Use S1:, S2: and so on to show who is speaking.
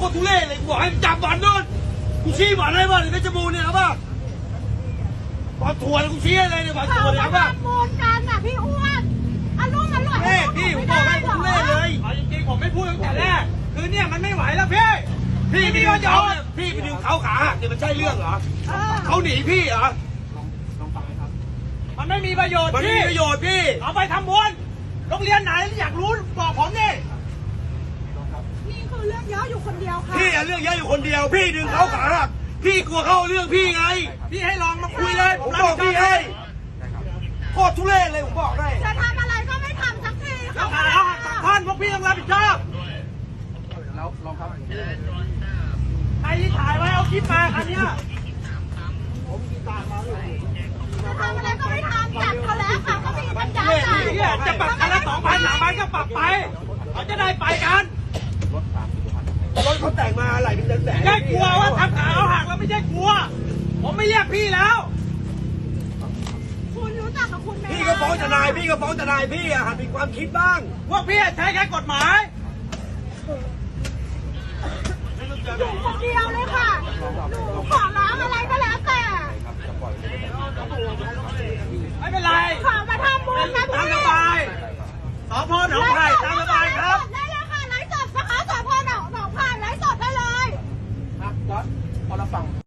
S1: ตรทุเรศเลยกูบอกให้จับบ่อนนู่นกูชี้บ่อนให้บ่อนเพชรบูรณ์เนี่ยครับว่าบ่อนถั่วกูชี้อะไรเนี่ยบ่อนถั่วเนี่ยครับว่า
S2: มูลกันน่ะพี่อ้วนอารมณ์อร่อย
S1: พี่ผมบอกให้ทุเรศเลย
S3: เอาจริงๆผมไม่พูดตั้งแต่แรกคือเนี่ยมันไม่ไหวแล้วพี่
S1: พี่ไปดึงเขาเนี่ยพี่ไปดึงเขาขาหักเนี่ยมันใช่เรื่องเหรอเขาหนีพี่เหรอ
S3: มันไม่มีประโยชน์
S1: มันไม่
S3: พี่
S1: มีประโยชน์พี่
S3: เอาไปทำบุญโรงเรียนไหนอยากรู้บอกผมดิ
S2: นี่คือเรื่องเยอะอยู่คนเดียวค่ะ
S1: พี่เรื่องเยอะอยู่คนเดียวพี่ดึงเขาขาหักพี่กลัวเข้าเรื่องพี่ไง
S3: พี่ให้ลองมา
S1: คุ
S3: คุ
S1: ย
S3: ย
S1: เล
S3: เลย ย
S1: ผมบอกพี่ให้โคตรทุเรศเลยผมบอกได้
S2: จะทำอะไรก็ไม่ทำสักที
S3: แล้วขาเอาหักตัดท่อนพวกพี่ต้องรับผิดชอบใครที่ถ่ายไว้เอาคลิปมาคันเนี้ย
S2: จะทำอะไรก็ไม่ทำจับเขาแล้วค่ะก็มีปัญญาจ่าย
S3: เนี่ยจะปรับคันละ2,000 3,000ก็ปรับไปเขาจะได้ไปกัน
S1: รถเขาแต่งมาอะไรเป็นแสน
S3: ไม่ใช่กลัวว่าทำขาเอาหักแล้วไม่ใช่กลัวผมไม่เรียกพี่แล้ว
S2: คุณรู้จักกับคุณไหม
S1: พี่ก็ฟ้องทนายพี่ก็ฟ้องทนายพี่อะหัดมีความคิดบ้าง
S3: พวกพี่ใช้แค่กฎหมาย
S2: อยู่คนเดียวเลยค่ะหนูขอร้องอะไรก็แล้วแต่
S3: ไม่เป็นไร
S2: ขอมาทำบุญนะ
S3: ตาม
S2: พี่
S3: สบายสพหนองไผ่ตามสบายครับ
S2: ได้เลยค่ะไลฟ์สดนะคะสพหนองไผ่ไลฟ์สดได้เลย
S4: พอเราฟัง